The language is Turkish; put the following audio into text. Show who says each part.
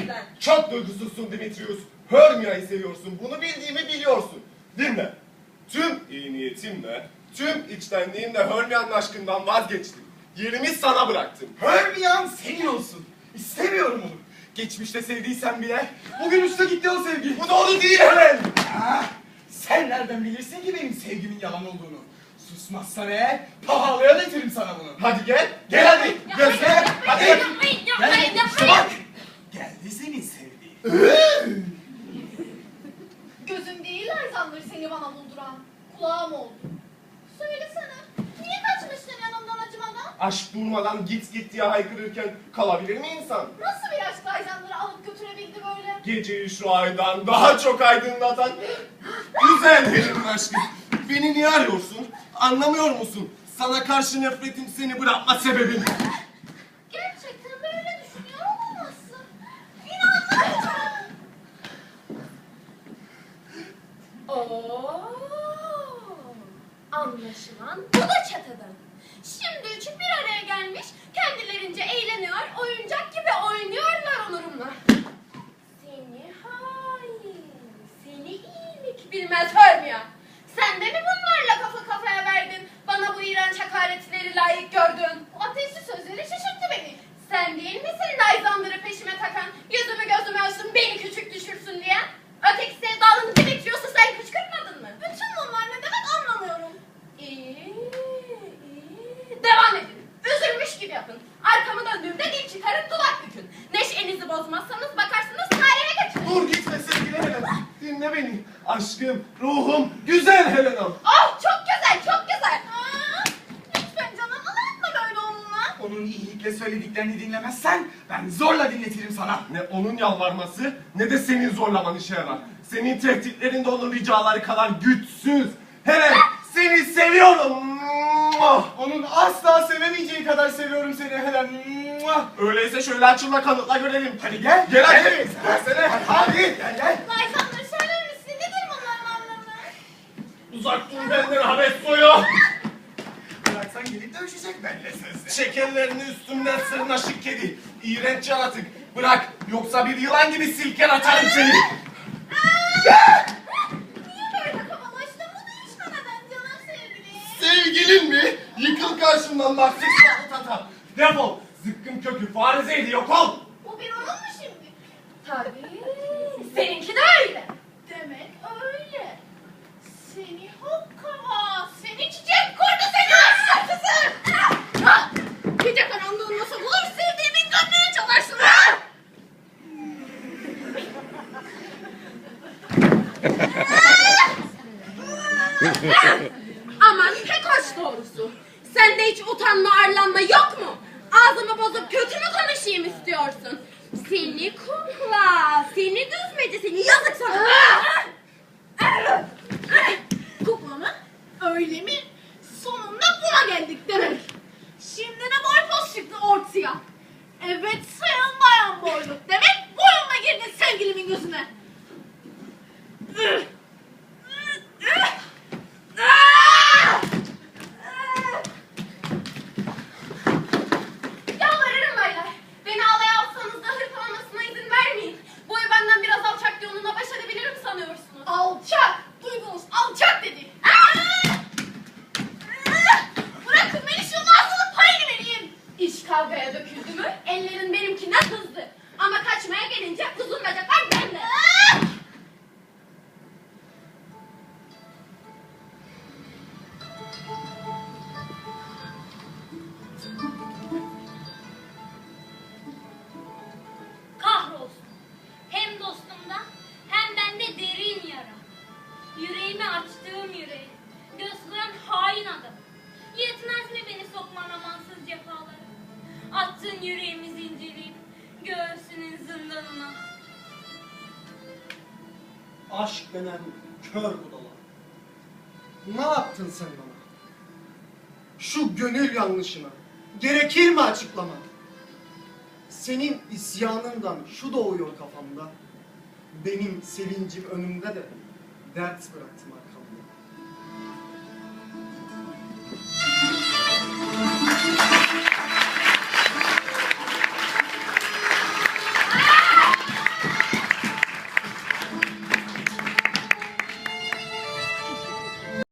Speaker 1: benden.
Speaker 2: Çok duygusuzsun Dimitrius. Hermia'yı seviyorsun. Bunu bildiğimi biliyorsun. Dinle. Tüm iyi niyetimle, tüm içtenliğimle Hermia'nın aşkından vazgeçtim. Yerimi sana bıraktım.
Speaker 3: Hermia'm senin olsun. İstemiyorum onu. Geçmişte sevdiysen bile bugün uçta gitti o sevgi.
Speaker 2: Bu doğru değil Helen.
Speaker 3: Sen nereden bilirsin ki benim sevgimin yalan olduğunu? Susmazsan eğer pahalıya getiririm sana bunu.
Speaker 2: Hadi gel. Gel hadi. Göster. Hadi.
Speaker 1: Yapmayın, yapmayın, yapmayın.
Speaker 3: Bak. Geldi senin sevdiğin.
Speaker 1: Gözüm değil Alexander seni bana bulduran. Kulağım oldu. Söylesene. Niye kaçmıştın yanımdan acımadan?
Speaker 2: Aşk durmadan git diye haykırırken kalabilir mi insan?
Speaker 1: Nasıl bir aşk Alexander'ı alıp götürebildi böyle?
Speaker 2: Geceyi şu aydan daha çok aydınlatan güzel Helen'in aşkı. Beni niye arıyorsun? Anlamıyor musun? Sana karşı nefretim seni bırakma sebebim.
Speaker 1: Gerçekten böyle düşünüyor olamazsın. İnanmıyorum. Anlaşılan bu da çeteden. Şimdi üçü bir araya gelmiş, kendilerince eğleniyor, oyuncak gibi oynuyorlar onurumla. Seni hain, seni iyilik bilmez Hermia. Sen de mi bunlarla kafa kafaya verdin, bana bu iğrenç hakaretleri layık gördün? Bu ateşli sözleri şaşırttı beni. Sen değil misin Alexander'ı peşime takan, yüzümü gözümü açtın beni küçük düşürsün diye? Öteki sevdalını Dimitrius'u sen kışkırtmadın mı? Bütün bunlar ne demek anlamıyorum. İyi. Devam edin. Üzülmüş gibi yapın. Arkamı döndüğümde dil çıkarıp dudak bükün. Neşenizi bozmazsanız bakarsınız tarihe geçin.
Speaker 2: Dur gitme sevgili Helen. Dinle beni. Aşkım, ruhum, güzel Helen'am.
Speaker 1: Oh çok güzel çok güzel. Lütfen canım anlatma böyle onunla.
Speaker 3: Onun iyilikle söylediklerini dinlemezsen ben zorla dinletirim sana.
Speaker 2: Ne onun yalvarması ne de senin zorlaman işe yarar. Senin tehditlerin de onun ricaları kadar güçsüz. Helen seni seviyorum.
Speaker 3: Onun asla sevemeyeceği kadar seviyorum seni Helen.
Speaker 2: Öyleyse şöyle açılma kanıtla görelim.
Speaker 3: Hadi gel.
Speaker 2: Gel hadi.
Speaker 3: Gel.
Speaker 2: Versene. Hadi.
Speaker 3: Gel.
Speaker 1: Alexander söyler misin nedir bunların anlamı?
Speaker 2: Uzak dur benden Habes soyu.
Speaker 3: Bıraksan gelip dövüşecek benimle sözde.
Speaker 2: Çek ellerini üstümden sırnaşık kedi. İğrenç yaratık. Bırak yoksa bir yılan gibi silker atarım seni.
Speaker 1: Niye böyle kabalaştın? Bu değişmeden canım sevgilim.
Speaker 2: Sevgilin mi? Yıkıl karşımdan bak sıçralı tata. Defol. Zıkkım kökü farizeydi yok ol.
Speaker 1: Bu bir oyun mu şimdi? Tabii. Seninki de öyle. Demek öyle. Seni hokkava, seni çiçek kurdu seni aşağısı. Gece karanlığın nasıl olur sevdiğimin gönlünü çalarsın ha? Aman pek hoş doğrusu. Sende hiç utanma arlanma yok mu? Ağzımı bozup kötü mü konuşayım istiyorsun? Seni kukla, seni düzmece, seni yazık sana. Kukla mı? Öyle mi? Sonunda buna geldik demek. Şimdi de boy poz çıktı ortaya. Evet sayın bayan boyluk. Demek boyunla girdin sevgilimin gözüne. Yalvarırım baylar. Beni alaya alsanız da hırpalamasına izin vermeyin. Boyu benden biraz alçak diye onunla baş edebilirim sanıyorsunuz. Alçak! Duydunuz alçak dedi. Bırakın beni şu ağzının payını vereyim. İş kavgaya döküldü mü ellerin benimkinden hızlı. Ama kaçmaya gelince uzun bacaklar bende.
Speaker 4: Kahrolsun. Hem dostumda hem bende derin yara. Yüreğimi açtığım yüreği. Gösteren hain adam. Yetmez mi beni sokman amansız cefalara? Attığın yüreğimi zincirleyip göğsünün zindanına.
Speaker 5: Aşk denen kör budala. Ne yaptın sen bana? Şu gönül yanlışına gerekir mi açıklama? Senin isyanından şu doğuyor kafamda. Benim sevincim önümde de dert bıraktım ara.